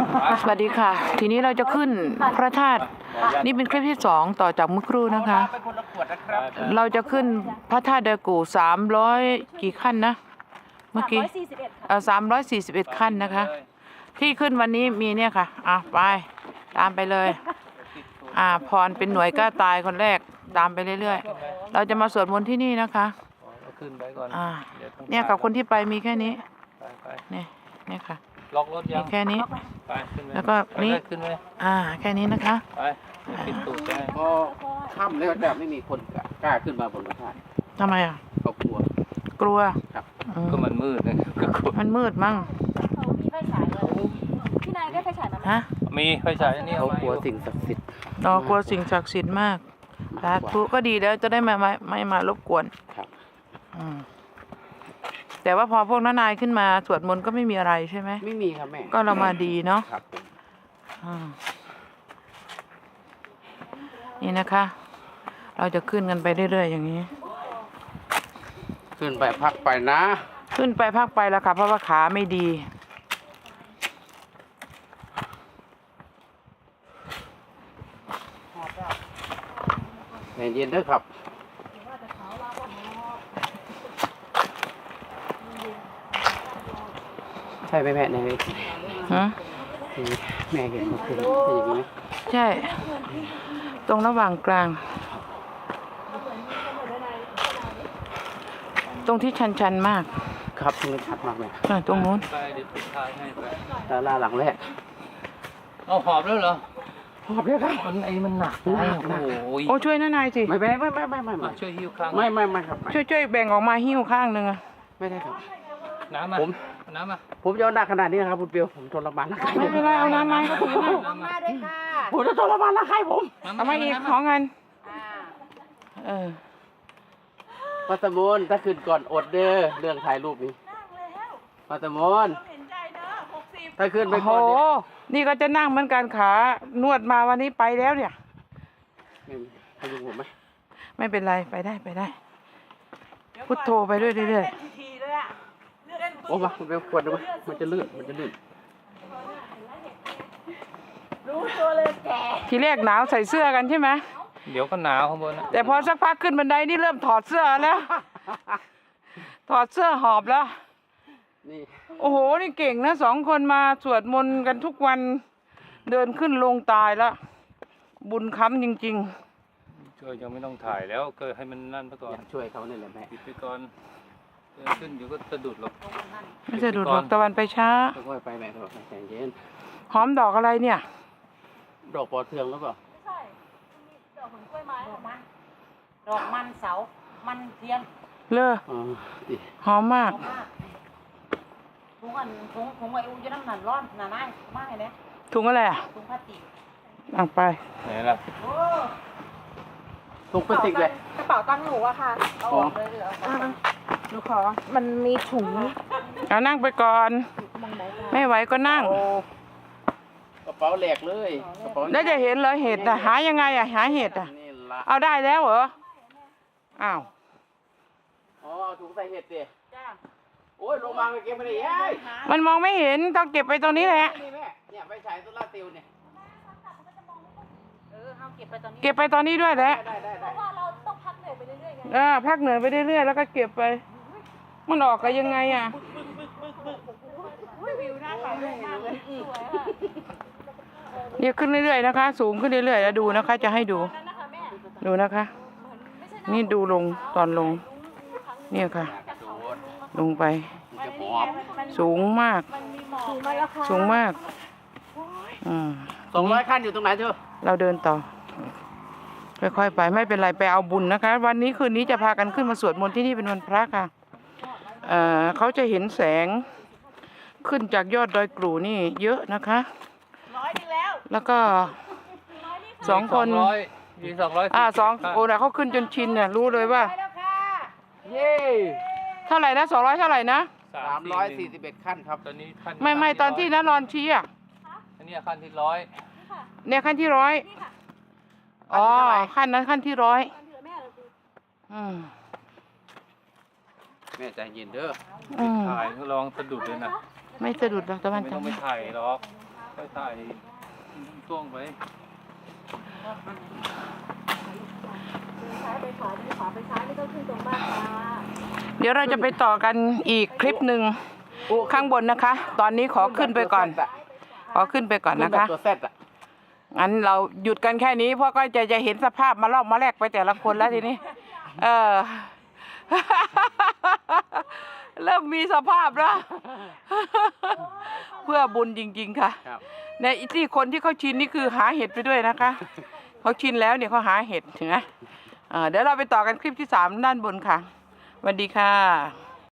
สวัสดีค่ะ ทีนี้เราจะขึ้นพระธาตุนี่เป็นคลิปที่2ต่อจากเมื่อครู่นะคะ เราจะขึ้นพระธาตุเดกู300กี่ขั้นนะเมื่อกี้341ขั้นนะคะ ที่ขึ้นวันนี้มีเนี่ยค่ะไปตามไปเลยพรเป็นหน่วยกล้าตายคนแรกตามไปเรื่อยๆเราจะมาสวดมนต์ที่นี่นะคะขึ้นไปก่อนเนี่ยกับคนที่ไปมีแค่นี้เนี่ยค่ะล็อกรถยังแค่นี้ไปขึ้นไปแล้วก็นี่ขึ้นไปแค่นี้นะคะไปปิดตูดได้พอค่ำแล้วแบบไม่มีคนกล้าขึ้นมาบนพระธาตุทำไมเขากลัวครับก็มันมืดนะมันมืดมั้งเขามีไฟฉายเลยพี่นายได้ไฟฉายมามีไฟฉายนี่เขากลัวสิ่งศักดิ์สิทธิ์กลัวสิ่งศักดิ์สิทธิ์มากสาธุก็ดีแล้วจะได้ไม่มารบกวนครับแต่ว่าพอพวกนายขึ้นมาสวดมนต์ก็ไม่มีอะไรใช่ไหมไม่มีครับแม่ก็เรามาดีเนาะครับนี่นะคะ เราจะขึ้นกันไปเรื่อยๆอย่างนี้ขึ้นไปพักไปนะขึ้นไปพักไปแล้วค่ะเพราะว่าขาไม่ดีเย็นๆด้วยครับใช่ไหมแม่ในแม่เห็นมันคืออย่างนี้ไหมใช่ตรงระหว่างกลางตรงที่ชันๆมากครับตรงนี้ชัดมากเลยตรงนู้นไปเดี๋ยวปิดท้ายให้ไปศาลาหลังแรกเอาหอบแล้วเหรอหอบเลยครับมันหนักโอ้ช่วยนายสิไม่ช่วยหิ้วข้างไม่ครับช่วยแบ่งออกมาหิ้วข้างหนึ่งไม่ได้ครับน้ำมาผมจะเอาหนักขนาดนี้นะครับคุณเปียวผมทรมานร่างกายไม่เป็นไรเอาน้ำมาก็ถือมาด้วยค่ะผมจะทรมานร่างกายผมเอามาอีกของเงินปัตตมนถ้าขึ้นก่อนอดเด้อเรื่องถ่ายรูปนี้ปัตตมนถ้าขึ้นไปก่อนนี่ก็จะนั่งเหมือนกันขานวดมาวันนี้ไปแล้วเนี่ยให้ดูผมไหมไม่เป็นไรไปได้พุทโธไปเรื่อยโอ้มาคุณไปขวดดูไหมมันจะลื่นรู้ตัวเลยแกทีแรกหนาวใส่เสื้อกันใช่ไหมเดี๋ยวก็หนาวข้างบนนะแต่พอสักพักขึ้นบันไดนี่เริ่มถอดเสื้อแล้วถอดเสื้อหอบแล้วนี่โอ้โหนี่เก่งนะ2 คนมาสวดมนต์กันทุกวันเดินขึ้นลงตายแล้วบุญค้ำจริงๆช่วยยังไม่ต้องถ่ายแล้วก็ให้มันนั่นไปก่อนช่วยเขาเนี่ยแหละแม่ปิดไปก่อนขึ้นอยู่ก็สะดุดหรอกไม่สะดุดหรอกตะวันไปช้าค่อยไปแม่ค่อยใจเย็นหอมดอกอะไรเนี่ยดอกปอเทืองหรือเปล่าไม่ใช่ดอกของกล้วยไม้ดอกมันเสามันเทียนหอมมากถุงไอ้อุ้ยน้ำหนักร้อนหนาไม้มากเลยเนี่ยถุงอะไรถุงพลาสติกไปไหนล่ะถุงพลาสติกเลยกระเป๋าตังค์หนูอะค่ะเอาออกเลยหรือเอาหนูขอมันมีถุงนั่งไปก่อนไม่ไหวก็นั่งกระเป๋าแหลกเลยแล้วจะเห็นเลยเห็ดหายังไงหาเห็ดเอาได้แล้วเหรออ้าวถุงใส่เห็ดดิโอ้ยลงมาไปเก็บไปได้ยัยมันมองไม่เห็นต้องเก็บไปตรงนี้แหละเนี่ยไปฉายโซล่าเซลล์เนี่ยเก็บไปตอนนี้ด้วยแหละเพราะว่าเราต้องพักเหนื่อยไปเรื่อยๆพักเหนื่อยไปเรื่อยๆแล้วก็เก็บไปมันออกกันยังไงวิวหน้าเขาเลยเนี่ยขึ้นเรื่อยๆนะคะสูงขึ้นเรื่อยๆแล้วดูนะคะจะให้ดูนะคะนี่ดูลงตอนลงเนี่ยค่ะลงไปสูงมาก 200 ขั้นอยู่ตรงไหนเธอเราเดินต่อค่อยๆไปไม่เป็นไรไปเอาบุญนะคะวันนี้คืนนี้จะพากันขึ้นมาสวดมนต์ที่นี่เป็นวันพระค่ะเขาจะเห็นแสงขึ้นจากยอดดอยกรูนี่เยอะนะคะแล้วก็2 คน200โอ้นะเขาขึ้นจนชินเนี่ยรู้เลยว่าเย่เท่าไหร่นะ200เท่าไหร่นะ 341 ขั้นครับตอนนี้ขั้นไม่ตอนที่นรอนชี้อันนี้ขั้นที่100 เนี่ยขั้นที่100ขั้นนั้นขั้นที่100 แม่ใจเย็นเด้อถ่ายลองสะดุดเลยนะไม่สะดุดหรอกตะวันไม่ต้องไปถ่ายหรอกไปถ่ายช่วงไปซ้ายไปขวาไปขวาไปซ้ายไม่ต้องขึ้นตรงบ้านค่ะเดี๋ยวเราจะไปต่อกันอีกคลิปหนึ่งข้างบนนะคะ ตอนนี้ขอขึ้นไปก่อน ขอขึ้นไปก่อนขึ้นะนแบบคะตัวแซดอะงั้นเราหยุดกันแค่นี้เพราะก็จะเห็นสภาพมาลอกมาแลกไปแต่ละคนแล้วทีนี้ เริ่มมีสภาพแล้ว เพื่อบุญจริงๆค่ะครับในที่คนที่เขาชินนี่คือหาเห็ดไปด้วยนะคะ เขาชินแล้วเนี่ยเขาหาเห็ดถึงนะเดี๋ยวเราไปต่อกันคลิปที่ 3 ด้านบนค่ะสวัสดีค่ะ